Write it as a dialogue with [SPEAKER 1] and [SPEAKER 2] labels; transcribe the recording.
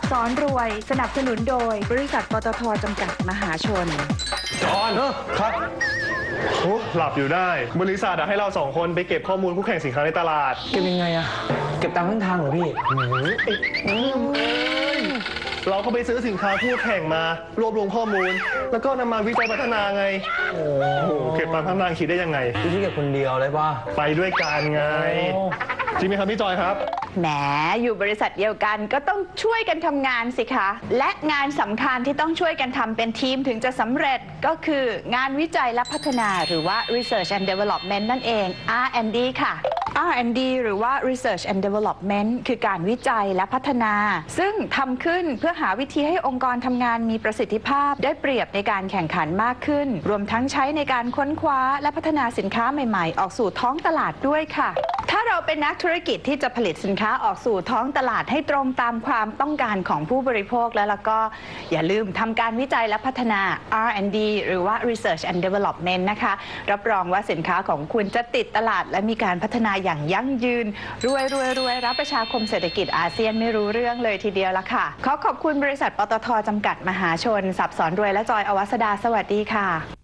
[SPEAKER 1] สอนรวยสนับสนุนโดยบริษัทปตทจำกัดมหาชน
[SPEAKER 2] จอนครับโอ้หลับอยู่ได้บริษัทให้เรา2 คนไปเก็บข้อมูลคู่แข่งสินค้าในตลาด
[SPEAKER 3] เก็บยังไงอะเก็บตามเส้นทางเหรอพี่
[SPEAKER 2] เราก็ไปซื้อสินค้าคู่แข่งมารวบรวมข้อมูล แล้วก็นำมาวิจัยพัฒนาไงโอ้โหเก็บมาพัฒนาคิดได้ยังไง
[SPEAKER 3] พี่เก็บคนเดียวเลยป่ะ
[SPEAKER 2] ไปด้วยกันไงจริงไหมครับพี่จอยครับ
[SPEAKER 1] แหมอยู่บริษัทเดียวกันก็ต้องช่วยกันทำงานสิคะและงานสำคัญที่ต้องช่วยกันทำเป็นทีมถึงจะสำเร็จก็คืองานวิจัยและพัฒนาหรือว่า Research and Development นั่นเอง R&D ค่ะ R&D หรือว่า Research and Development คือการวิจัยและพัฒนาซึ่งทำขึ้นเพื่อหาวิธีให้องค์กรทำงานมีประสิทธิภาพได้เปรียบในการแข่งขันมากขึ้นรวมทั้งใช้ในการค้นคว้าและพัฒนาสินค้าใหม่ๆออกสู่ท้องตลาดด้วยค่ะถ้าเราเป็นนักธุรกิจที่จะผลิตสินค้าออกสู่ท้องตลาดให้ตรงตามความต้องการของผู้บริโภคแล้วก็อย่าลืมทำการวิจัยและพัฒนา R&D หรือว่า Research and Development นะคะรับรองว่าสินค้าของคุณจะติดตลาดและมีการพัฒนาอย่างยั่งยืนรวยรับประชาคมเศรษฐกิจอาเซียนไม่รู้เรื่องเลยทีเดียวละค่ะขอขอบคุณบริษัทปตทจำกัดมหาชนสับสอนรวยและจอยอวัสดาสวัสดีค่ะ